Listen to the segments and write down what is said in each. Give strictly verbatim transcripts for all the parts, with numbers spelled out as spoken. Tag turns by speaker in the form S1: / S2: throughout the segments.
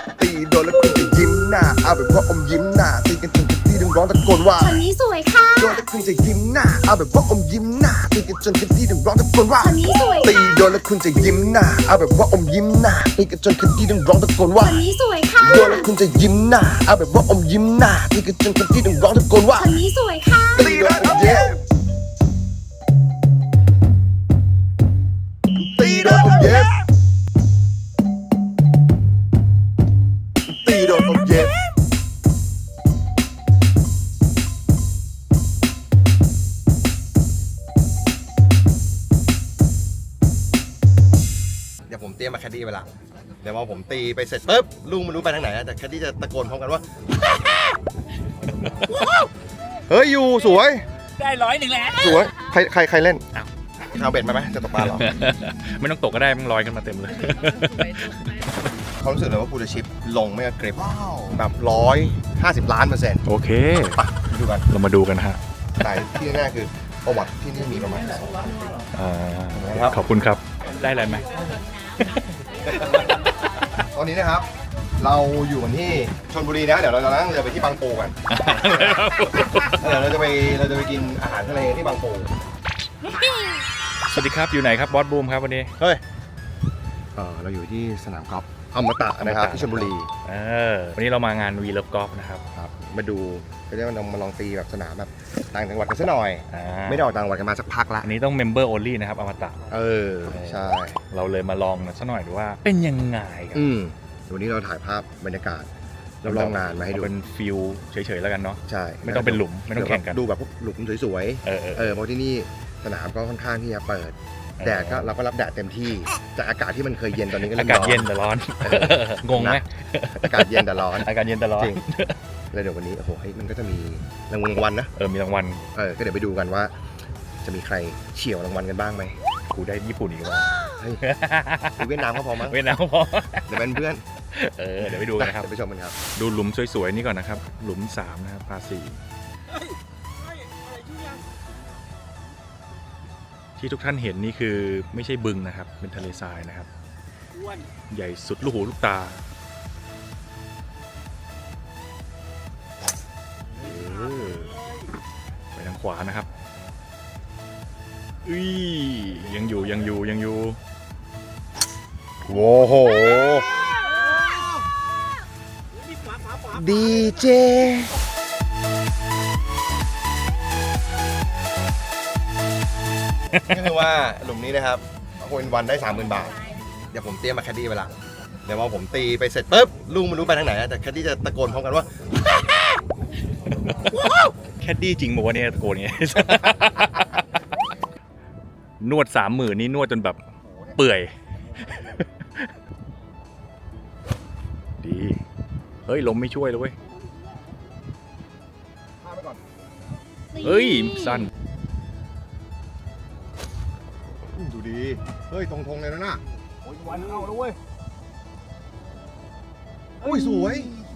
S1: ตีโดนแล้วคุณจะยิ้มหน้าเอาแบบว่าอมยิ้มหน้าตีกันจนที่ต้องร้องตะโกนว่า
S2: คนนี้สวยค่ะ
S1: โดนแล้วคุณจะยิ้มหน้าเอาแบบว่าอมยิ้มหน้าตีกันจนที่ต้องร้องตะโกนว่า
S2: คนนี้สวย
S1: ตีโดนแล้วคุณจะยิ้มหน้าเอาแบบว่าอมยิ้มหน้าตีกันจนที่ต้องร้องตะโกนว่า
S2: คนนี้สวยค่ะ
S1: โดนแล้วคุณจะยิ้มหน้าเอาแบบว่าอมยิ้มหน้าตีกันจนที่ต้องร้องตะโกนว่า
S2: คนนี้สวยค่ะ
S1: ตีโดนอมเย็บตีโดนอมเย็บตีโดนอมเย็บเดี๋ยวผมเตรียมมาแคดดี้ไปละเดี๋ยวพอผมตีไปเสร็จปุ๊บลุงไม่รู้ไปทางไหนแต่แคดดี้จะตะโกนพร้อมกันว่า เฮ้ยอยู่สวย
S3: ได้ร้อยหนึ่งแล้ว
S1: สวยใครใครใครเล่น
S3: อ้าว
S1: เอาเบ็ดมาไหมจะตกปลาหรอ
S3: ไม่ต้องตกก็ได้มันลอยกันมาเต็มเลย
S1: เขารู้สึกเลยว่าพูลชิปลงไม่กระเกร็บแบบร้อยห้าสิบล้านเปอร์เซ็นต์
S3: โอเค
S1: ไปดูกัน
S3: เรามาดูกันฮะ
S1: แต่ที่แน่คือประวัติที่นี่มีประมาณสองพันปี
S3: ขอบคุณครับได้อะไรไหม
S1: ตอนนี้นะครับเราอยู่กันที่ชลบุรีนะเดี๋ยวเราจะนั่งเรือไปที่บางปูกันเดี๋ยวเราจะไปเราจะไปกินอาหารทะเลที่บางปู
S3: สวัสดีครับอยู่ไหนครับบอสบูมครับวันนี้
S1: เฮ้ยเออเราอยู่ที่สนามกอล์ฟอมตะนะครับที่ชลบุรี
S3: เออวันนี้เรามางานวีเลิฟกอล์ฟนะครับ
S1: ครับมาดูก็จะมาลองตีแบบสนามแบบต่างจังหวัดกันสักหน่อยไม่ได้ออกต่างจังหวัดกันมาสักพักละ
S3: อันนี้ต้องเมมเบอร์โอลี่นะครับอมตะ
S1: เออใช่
S3: เราเลยมาลองสักหน่อยดูว่าเป็นยังไงกัน
S1: อืมวันนี้เราถ่ายภาพบรรยากาศเราลองงานมาให้ดู
S3: เป็นฟิลเฉยๆแล้วกันเนาะ
S1: ใช่
S3: ไม่ต้องเป็นหลุมไม่ต้องแข่งกัน
S1: ดูแบบพวกหลุมสวยๆเออเออเพราะที่นี่สนามก็ค่อนข้างที่จะเปิดแดดก็เราก็รับแดดเต็มที่จากอากาศที่มันเคยเย็นตอนนี้ก็
S3: อากาศเย็นแต่ร้อนงงไหม
S1: อากาศเย็นแต่ร้อน
S3: อากาศเย็นแต่ร้อน
S1: จริงแล้วเดี๋ยววันนี้โอ้โหมันก็จะมีรางวัลนะ
S3: เออมีรางวัล
S1: เออก็เดี๋ยวไปดูกันว่าจะมีใครเฉี่ยวรางวัลกันบ้างไหม
S3: กูได้ญี่ปุ่นอีกแล้ว
S1: เวียดนามก็พอมั้ง
S3: เวียดนามก็พอ
S1: เดี๋ยวเป็นเพื่อน
S3: เออเดี๋ยวไปดูกันครับ
S1: ไปชมกันครับ
S3: ดูหลุมสวยๆนี่ก่อนนะครับหลุมสามนะครับพาสี่ที่ทุกท่านเห็นนี่คือไม่ใช่บึงนะครับเป็นทะเลทรายนะครับใหญ่สุดลูกหูลูกตาไปทางขวานะครับอุ้ยยังอยู่ยังอยู่ยังอยู่
S1: โว้โหดีเจก็คือว่าหลุมนี้นะครับคนวันได้ สามหมื่น บาทเดี๋ยวผมเตรียมมาแคดดี้ไปละเดี๋ยวพอผมตีไปเสร็จปุ๊บลุงไม่รู้ไปทางไหนแต่แคดดี้จะตะโกนพร้อมกันว่า
S3: แคดดี้จริงบอกว่าเนี่ยตะโกนไงนวดสามหมื่นนี่นวดจนแบบเปื่อยดีเฮ้ยลมไม่ช่วยเลยเว้ยเฮ้ยสั้น
S1: ดูดีเฮ้ยตรงทงเลยนะน่ะโอ้ยวันเข้าแล้วเว้ยโอ้ยสวย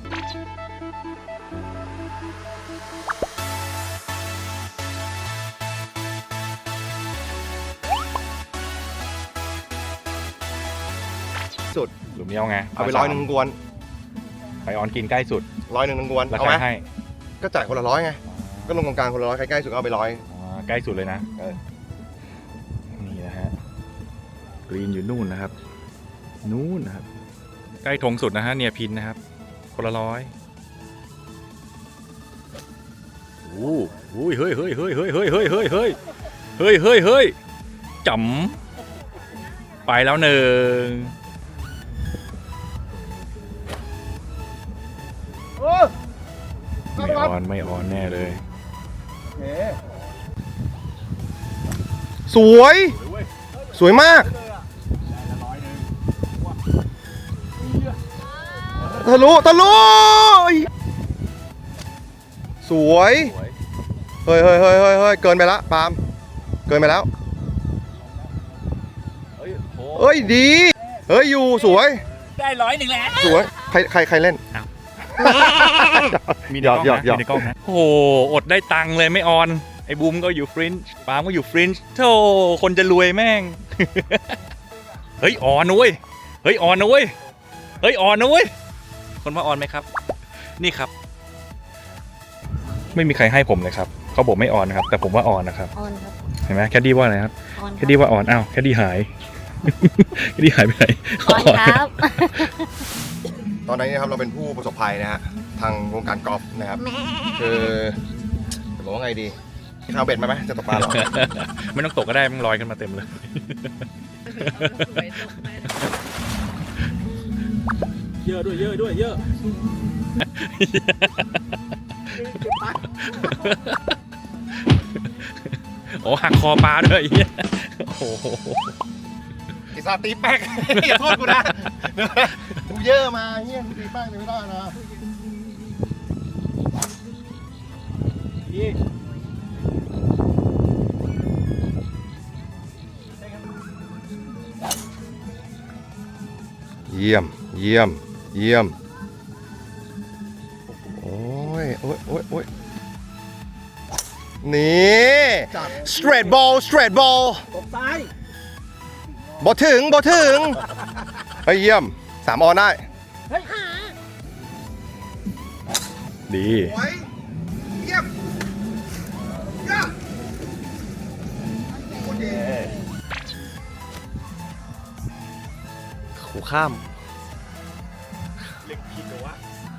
S1: สุด
S3: หลุมนี้เอาไง
S1: เอาไปร้อยหนึ่งกวน
S3: ไปออนกินใกล้สุด
S1: ร้อยหนึ่งกวนเอาไหมก็จ่ายคนละร้อยไงก็ลงกองกลางคนละร้อยใครใกล้สุดเอาไปร้อย
S3: ใกล้สุดเลยนะนี่นะฮะกรีนอยู่นู่นนะครับนู่นนะครับใกล้ธงสุดนะฮะเนียพินนะครับคนละร้อยโอ้โหเฮ้ยเฮ้ยเฮ้ยเฮ้ยเฮ้ยเฮ้ยเฮ้ยเฮ้ยเฮ้ยเฮ้ยเฮ้ยจ๋ำไปแล้วหนึ่งไม่ออนไม่ออนแน่เลย
S1: สวยสวยมากทะลุทะลุสวยเฮ้ยเฮ้ยเฮ้ยเฮ้ยเฮ้ยเกินไปละปาล์มเกินไปแล้วเฮ้ยดีเฮ้ยอยู่สวย
S3: ได้ร้อยหนึ่งแล้ว
S1: สวยใครใครใครเล่น
S3: มีในกล้องนะมีในกล้องนะโอ้โหอดได้ตังค์เลยไม่ออนไอ้บูมก็อยู่ฟรินช์ปาล์มก็อยู่ฟรินช์โธ่คนจะรวยแม่งเฮ้ยออนนุ้ยเฮ้ยออนนุ้ยเฮ้ยออนนุ้ยคนว่าออนไหมครับ นี่ครับ ไม่มีใครให้ผมเลยครับเขาบอกไม่ออนนะครับ แต่ผมว่าออนนะครับ
S2: ออนครับ
S3: เห็นไหมแคดดี้ว่าอะไรครับ
S2: ออน
S3: แคดดี้ว่าออนอ้าวแคดดี้หาย แคดดี้หายไปไหน
S2: ออนครับ
S1: ตอนนี้นะครับเราเป็นผู้ประสบภัยนะฮะทางวงการกอล์ฟนะครับคือจะบอกว่าไงดีข้าวเบ็ดมาไหมจะตกปลาหรอ
S3: ไม่ต้องตกก็ได้มันลอยกันมาเต็มเลย
S4: เยอะด้วยเยอะด้วยเยอะ
S3: โอ้หักคอปลาด้วยเหี้ยโอ้โห
S1: ไอ้ซาตีแป๊ก อย่าโทษกูนะกูเยอะมาเฮียตีแป๊กไม่ได้นะเยี่ยมเยี่ยมเยี่ยมโอ้ยโอ้ยโอ้ยโอ้ยนี่ straight ball straight ball
S4: ตบซ้าย
S1: บอถึงบอถึงเฮ้ยเยี่ยมสามออนได้
S3: ดี
S1: โอ้ยเยี่ยมเยี่ยมโอเค
S4: ขู่ข้าม
S3: เล็กผิดเหรอวะ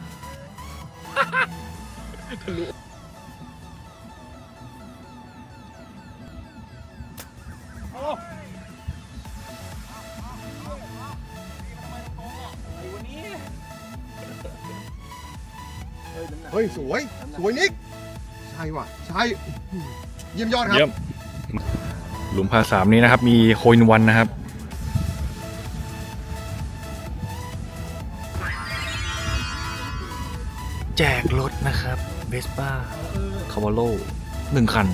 S1: เฮ้ยสวยสวยนิกใช่ว่ะใช่เยี่ยมยอดครับ
S3: เยี่ยมหลุมพาสามนี้นะครับ มีโคอินวันนะครับ แจกรถนะครับเวสป้าคาวาโลหนึ่งคัน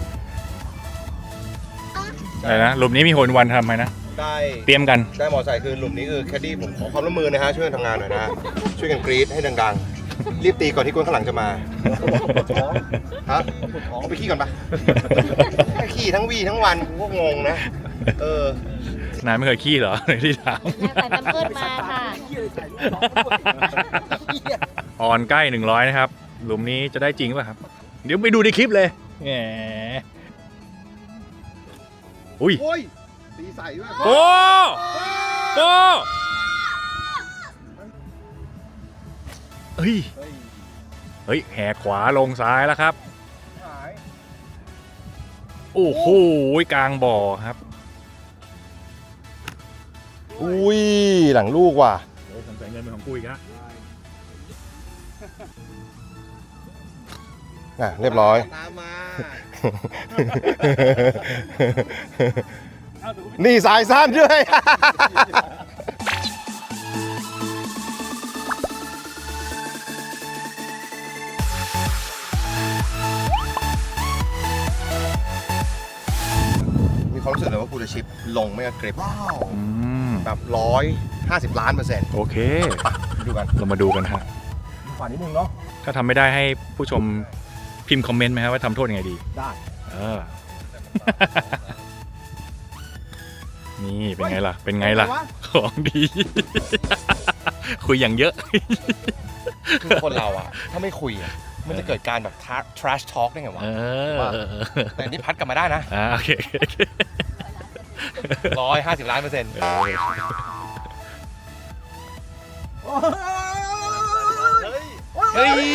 S3: อะไรนะหลุมนี้มีโคอินวันทำไหมนะ
S1: ได้
S3: เตรียมกัน
S1: ได้มอไซค์คือหลุมนี้คือแคดดี้ผมขอความร่วมมือนะฮะช่วยกันทำงานหน่อยนะฮะช่วยกันกรี๊ดให้ดังๆรีบตีก่อนที่คนข้างหลังจะมาฮะเอาไปขี้ก่อนปะขี้ทั้งวีทั้งวันกูก็งงนะเออน
S3: ายไม่เคยขี้เหรอ ในที่ถาม
S2: ใส่แพมเพิร์สมาค่ะ
S3: ออนใกล้หนึ่งร้อยนะครับ หลุมนี้จะได้จริงป่ะครับ เดี๋ยวไปดูในคลิปเลยแหมอุ้ย
S1: โอ้ยตีใส่ด้วย
S3: โอ้โอ้เฮ้ย เฮ้ย แหกขวาลงซ้ายแล้วครับ
S1: หาย
S3: โอ้โห กลางบ่อครับ
S1: อุ้ยหลังลูกว่ะ
S3: โอ้ผมใส่เงินเป็นของกูอีกนะ
S1: อ่ะเรียบร้อย
S4: ตามมา
S1: นี่สายสั้นด้วย มีความรู้สึกเลยว่ากูจะชิปลงไม่กระเกร็บว้าว
S3: อืม
S1: แบบร้อยห้าสิบล้านเปอร์เซ็นต์
S3: โอเค
S1: ไปดูกัน
S3: เรามาดูกันฮะ
S1: ขวานิดนึงเนาะ
S3: ถ้าทำไม่ได้ให้ผู้ชมพิมพ์คอมเมนต์ไหมครับว่าทำโทษยังไงดี
S1: ได้
S3: เออ นี่เป็นไงล่ะ เป็นไงล่ะ ของดี คุยอย่างเยอะ
S1: คือคนเราอะถ้าไม่คุยอะมันจะเกิดการแบบ trash talk ได้ไงวะ
S3: เออ
S1: แต่นี่พัดกลับมาได้นะ
S3: อ่าโอเคโอเค
S1: ร้อยห้าสิบล้านเปอร์เซ็นต์
S3: เออ เฮ้ย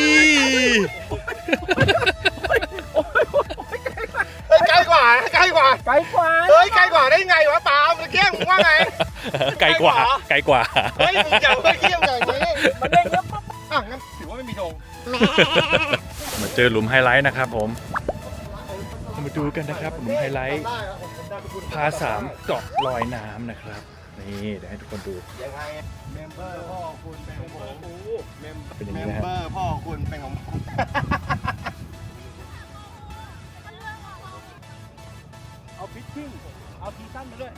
S1: ใกล้กว่าใกล้กว่า
S4: ไกลกว่า
S1: เฮ้ยไกลกว่าได้ไงวะปาล์มเมื่อกี้มึงว่าไง
S3: ไกลกว่า ไกลกว่า
S1: เฮ้ยมึงอย่าเมื่อกี้มึงอย่างนี้มันเด้งแล้วปั๊บอ่ะงั้นถือว่าไม่มีธง
S3: มาเจอหลุมไฮไลท์นะครับผม มาดูกันนะครับหลุมไฮไลท์ พาสามเกาะลอยน้ำนะครับ นี่เดี๋ยวให้ทุกคนดู
S1: ยังไงเมมเบอร์พ่อคุณเป็นของผมเมม
S3: เป็นอย่าง
S1: เม
S3: นี้
S1: ม
S3: นะฮะ
S1: เบอร์พ่อคุณเป็นของผม
S4: เอาพิชชิ่งเอาทีสั้นมาด้วย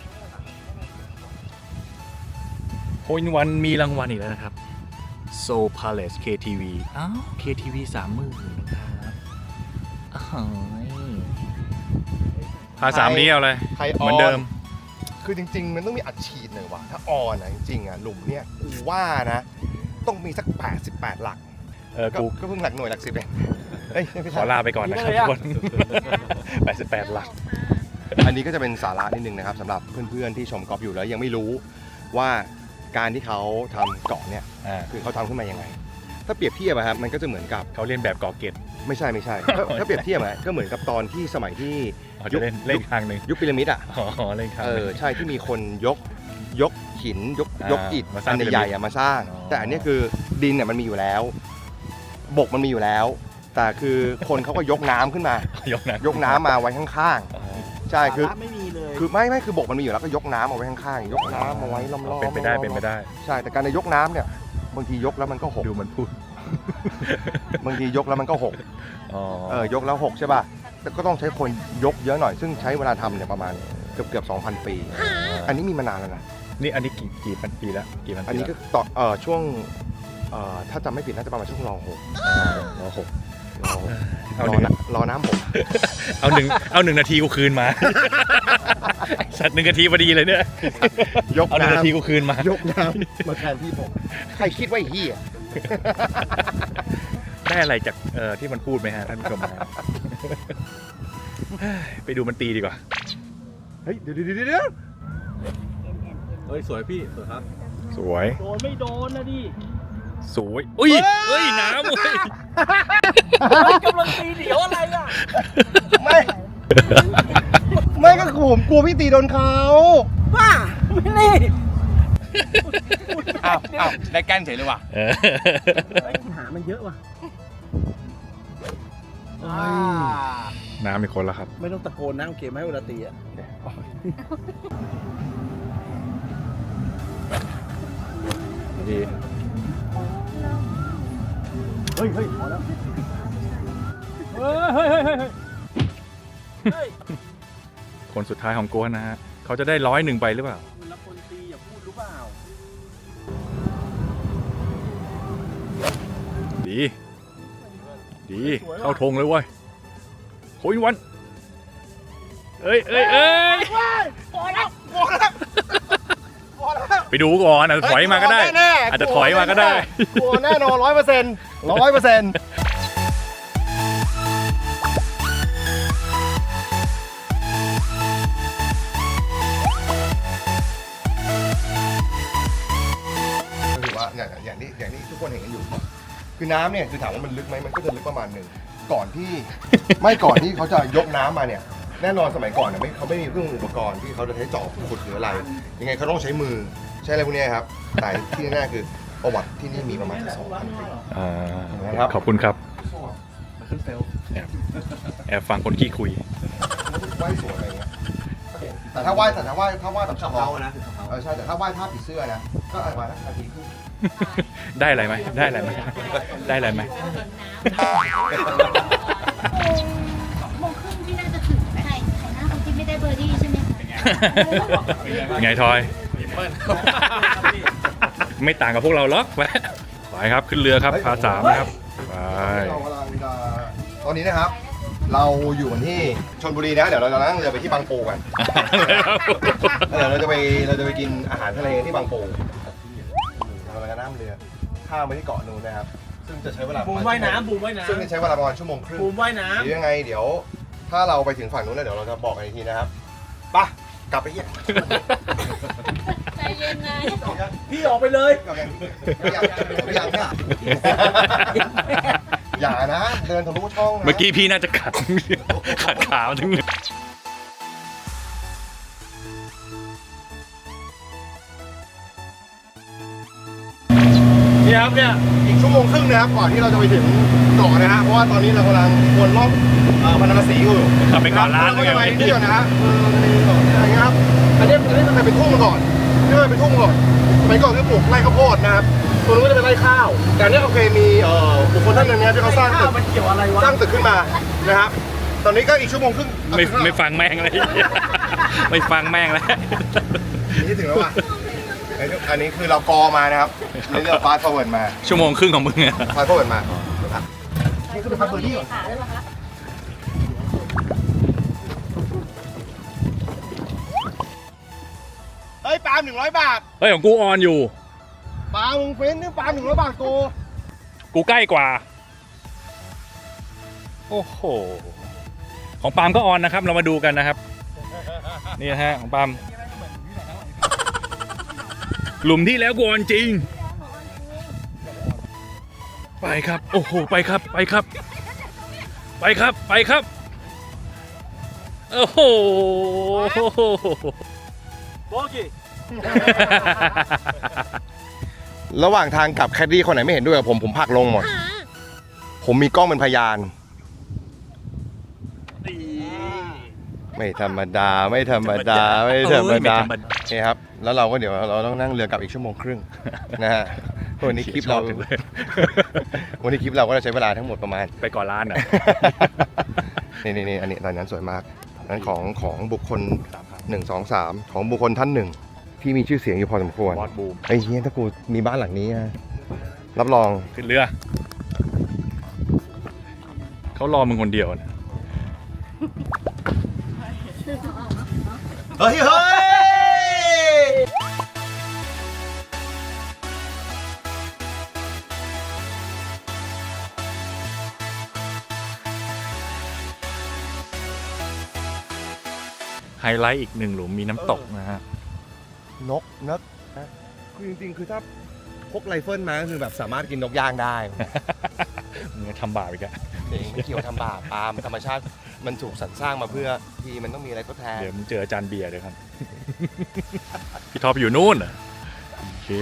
S3: โฮอินวันมีรางวัลอีกแล้วนะครับ Soul Palace เค ที วี อ้าว เค ที วี สามหมื่นนะครับอ้าวพาสามนี้เอาเลย
S1: ใครอ
S3: เห
S1: อ
S3: มือนเดิม
S1: คือจริง ๆ มันต้องมีอัดฉีดหน่อยว่ะถ้าออนอ่ะจริงๆอ่ะหลุมเนี่ยกูว่านะต้องมีสักแปดสิบแปดหลัก
S3: เออ
S1: ก็
S3: กู
S1: ก็เพิ่งหลักหน่วยหลักสิบเองเอ้ยไม่
S3: ข
S1: ใช่
S3: อลาไปก่อนนะครับทุกคน แปดสิบแปดหลัก
S1: อันนี้ก็จะเป็นสาระนิดนึงนะครับสำหรับเพื่อนๆที่ชมกอล์ฟอยู่แล้วยังไม่รู้ว่าการที่เขาทำเกาะเนี่ย
S3: อ่า
S1: คือเขาทำขึ้นมายังไง ถ้าเปรียบเทียบอะครับมันก็จะเหมือนกับ
S3: เขาเล่นแบบกอเกต
S1: ไม่ใช่ไม่ใช่ ถ้าถ้าเปรียบเทียบอะก็เหมือนกับตอนที่สมัยที่
S3: เขาจะเล่นเล่นทางหนึ่ง
S1: ยุคพีระมิดอะ
S3: อ๋อเล่นทาง
S1: เอ
S3: หนึ่
S1: อง ใช่ที่มีคนยกยกหินยก
S3: อ่าย
S1: กอิฐ
S3: มาสร้า
S1: อั
S3: ง
S1: นใหญ่ๆอะมาสร้าง
S3: อ๋อ
S1: แต่อันนี้คือดินเนี่ยมันมีอยู่แล้ว บกมันมีอยู่แล้ว แต่คือคนเขาก็ยกน้ำขึ้นมา
S3: ยกนะ
S1: ยกน้ำมาไว้ข้าง
S3: อ๋อ
S1: ๆใช่คือ
S4: สาระไม่มีเลย
S1: คือไม่ไม่คือบกมันมีอยู่แล้วก็ยกน้ำเอาไว้ข้างๆยกน้ำเอาไว้ล้อมๆ
S3: เป็นไปได้เป็นไปได้
S1: ใช่แต่การจะยกน้ำเนี่ยบางทียกแล้วมันก็หก
S3: ดูมันพูด
S1: บางทียกแล้วมันก็หก
S3: อ๋อ
S1: เออยกแล้วหกใช่ป่ะแต่ก็ต้องใช้คนยกเยอะหน่อยซึ่งใช้เวลาทำเนี่ยประมาณเกือบเกือบสองพันปี อันนี้มีมานานแล้วนะ
S3: นี่อันนี้กี่กี่พันปีแล้วกี่พัน
S1: อัน
S3: ปี
S1: นี้
S3: แล้ว
S1: ก็ต่อเอ่อช่วงเอ่อถ้าจำไม่ผิดน่าจะประมาณช่วงรอหก
S3: อ่ารอหก
S1: รอหก
S3: เอา
S1: ร
S3: ห
S1: อ
S3: นึ่ง
S1: น้ำรอน้ำหก
S3: เอาหนึ่งเอาหนึ่งนาทีกูคืนมา สัตว์หนึ่งนาทีพอดีเลยเนี่ย
S1: ยก
S3: เอาหนึ่ง
S1: น้
S3: นาทีกูคืนมา
S1: ำยกน้ำมาแทนที่ผมใครคิดว่าไอ้เฮีย
S3: ได้อะไรจากเอ่อที่มันพูดไหมฮะท่านผู้ชมฮะ ไปดูมันตีดีกว่า
S1: เฮ้ยเดี๋ยวเดี๋ยวเดี๋ยว
S4: เฮ้ยสวยพี่สวยครับ
S3: สวย
S4: โดนไม่โดนนะดิ
S3: สวยอุ้ยเฮ้ยน้ำเว้ย
S4: กำลังตีเดี๋ยวอะไรอ่ะ
S1: ไม่ไม่ก็ผมกลัวพี่ตีโดนเขา
S4: บ้าไม่นี่
S1: อ้าวอ้าวได้แก้นเฉยเลยว่ะ
S3: เออ
S4: หามันเยอะว่ะ
S3: น้ำมีคนแล้วครับ
S4: ไม่ต้องตะโกนนะโอเคไหมเวลาตีอ่ะ
S3: ดี
S4: เฮ้ยเฮ้ยพอแล้วเฮ้ยเฮ้ยเฮ้ยเฮ้ยเฮ้ย
S3: คนสุดท้ายของโกนนะฮะเขาจะได้ร้อยหนึ่งไปหรือเปล่า
S4: เวลาคนตีอย่าพูดรู้เปล่า
S3: ดี ดีเข้าธงเลยเว้ยโค้ยวันเอ้ยเอ้ยเอ้ย
S1: พอแล้วพอแล้วพอแล้ว
S3: ไปดูก่อนอาจจะถอยมาก็ได้ อาจจะถอยมาก็ได้
S1: กลัวแน่นอนร้อยเปอร์เซ็นต์ร้อยเปอร์เซ็นต์ก็คือว่าอย่างอย่างที่อย่างที่ทุกคนเห็นกันอยู่ คือน้ำเนี่ยคือถามว่ามันลึกไหมมันก็จะลึกประมาณหนึ่งก่อนที่ ไม่ก่อนที่เขาจะยกน้ำมาเนี่ยแน่นอนสมัยก่อนเนี่ยไม่เขาไม่มีเครื่องอุปกรณ์ที่เขาจะใช้จอบขุดหรืออะไร ยังไงเขาต้องใช้มือใช้อะไรพวกเนี้ยครับแต่ที่แน่ๆคือประวัติที่นี่มีประมาณสองพันปี
S3: อ่า
S1: ครับ
S3: ขอบคุณครับ
S1: ขึ้นเซล
S3: แอบแอบฟังคนขี้คุย
S1: ไหว้สวยอะไรเงี้ยแต่ถ้าไหว้แต่ถ้าไหว้ถ้าไหว้แบบเฉพาะนะเออใช่แต่ถ้าไหว้ท่าผีเสื้อนะก็อาจจะมานาทีครึ่ง
S3: ได้อะไรไหมได้อะไรไหมได้อะไรไหม
S2: โมงครึ่งที่น่าจะถึงไหมไข่ไข่หน้าคนที่ไม่ได้เบอร์ดี้ใช่ไหมคะ
S3: ไงทอย ไม่ต่างกับพวกเราหรอกไปไปครับขึ้นเรือครับพาสามนะครับไป
S1: เรากำลังจะตอนนี้นะครับ เราอยู่กันที่ชลบุรีนะเดี๋ยวเราจะนั่งเรือไปที่บางปูกันแล้วเดี๋ยวเราจะไปเราจะไปกินอาหารทะเลที่บางปูเราจะนั่งเรือข้ามไปที่เกาะนูนนะครับซึ่งจะใช้เวลา
S4: บูมว่ายน้ำบูมว่ายน้
S1: ซึ่งจะใช้เวลาประมาณชั่วโมงครึ่ง
S4: ำบูมว่ายน้
S1: หรือยังไงเดี๋ยวถ้าเราไปถึงฝั่งนู้นแล้วเดี๋ยวเราจะบอกกันอีกทีนะครับไปะกลับไปเยี่ยม
S2: ใจเย็นไง
S4: ำพี่ออกไปเลย
S1: กลับยังยังยังเนี่ยอย่านะเดินทะลุช่องนะ
S3: เมื่อกี้พี่น่าจะขัด ขัดขาทั้งนึง
S1: นี่ครับเนี่ยอีกชั่วโมงครึ่งนะครับก่อนที่เราจะไปถึงเกาะนะฮะเพราะว่าตอนนี้เรากำลังวนรอบเอ่อพันธสีอยู่
S3: ขับไปก่อนร้าน
S1: ก็
S3: เลย
S1: จะไป
S3: ไง
S1: ที่เดียวนะฮะเออในเกาะอะไรเงี้ยครับอันนี้อันนี้มันเคยเป็นทุ่งมาก่อนนี่มันเป็นทุ่งมาก่อนสมัยก่อนคือปลูกไร่ข้าวโพดนะครับตัวนู้นก็จะเป็นไร่ข้าวแต่อันนี้โอเคมีเอ่อบุคคลท่านหนึ่งเนี่ยที่เขาสร้างตึก
S4: มันเกี่ยวอะไรวะ
S1: สร้างตึกขึ้นมานะครับตอนนี้ก็อีกชั่วโมงครึ่ง
S3: ไม่ไม่ฟังแม่งเลย ไม่ฟังแม่งแล้ว
S1: นี่ถึงแล้วว่ะอันนี้คือเรากอมานะครับนี่เราฟาสต์ฟอร์เวิร์ดมา
S3: ชั่วโมงครึ่งของมึงอะ
S1: ฟาสต์ฟอร์เวิร์ดมานี่คือเป็นพับเบอร์ดี้ก่อน
S2: ค่ะแล้วเหรอคะ
S1: เฮ้ยปาล์มหนึ่งร้อยบาท
S3: เฮ้ยของกูออนอยู่
S1: ปามึงเฟ้นนี่ปาหนึ่งร้อยบาทโก
S3: กูใกล้กว่า โอ้โห ของปาล์มก็ออนนะครับ เรามาดูกันนะครับ นี่นะฮะของปาล์มหลุมที่แล้วกูออนจริง ไปครับ โอ้โห ไปครับ ไปครับ ไปครับ ไปครับ โอ้โห
S4: โบกี้
S1: ระหว่างทางกลับแคดดี้คนไหนไม่เห็นด้วยกับผมผมผลักลงหมด ผมมีกล้องเป็นพยาน ไม่ธรรมดาไม่ธรรมดาไม่ธรรมดาโอเคครับ แล้วเราก็เดี๋ยวเราต้องนั่งเรือกลับอีกชั่วโมงครึ่งนะฮะวันนี้คลิปเรา วันนี้คลิปเราก็จะใช้เวลาทั้งหมดประมาณ
S3: ไปก่อนร้านอ่ะ
S1: นี่นี่นี่อันนี้ตอนนั้นสวยมากนั้นของของบุคคลหนึ่งสองสามของบุคคลท่านหนึ่งที่มีชื่อเสียงอยู่พอสมควร
S3: บอสบูม
S1: ไอ้เฮียถ้ากูมีบ้านหลังนี้นะรับรอง
S3: ขึ้นเรือ เขารอมึงคนเดียวนะ
S1: เฮ้ยเฮ้ย
S3: ไฮไลท์อีกหนึ่งหลุมมีน้ำตกนะฮะ
S1: นกนกคือจริงๆคือถ้าพกไรเฟิลมาก็คือแบบสามารถกินนกย่างได้
S3: มึงจะทำบาปอีกอะ
S1: เองไม่เกี่ยวทำบาปปาล์มธรรมชาติมันถูกสรรสร้างมาเพื่อที่มันต้องมีอะไรทดแทน
S3: เดี๋ยวมึงเจออาจารย์เบียร์เลยครับ พี่ท็อปอยู่นู่นเหรอโอเค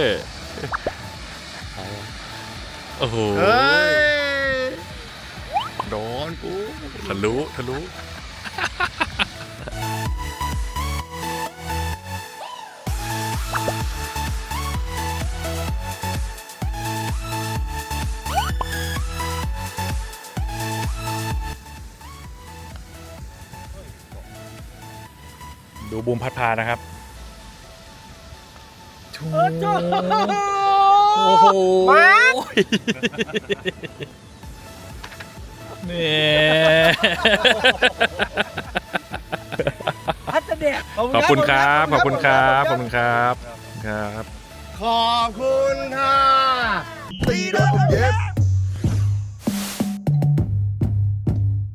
S3: โอ้โห
S1: เฮ้ยโดนกู
S3: ทะลุทะลุ ดูบูมพัดพานะครับโอ้โหนี่
S4: พัดเด็ก
S3: ขอบคุณครับ ขอบคุณครับ ขอบคุณครับ ครับ
S1: ขอบคุณค่ะตีโดนผมเย็บ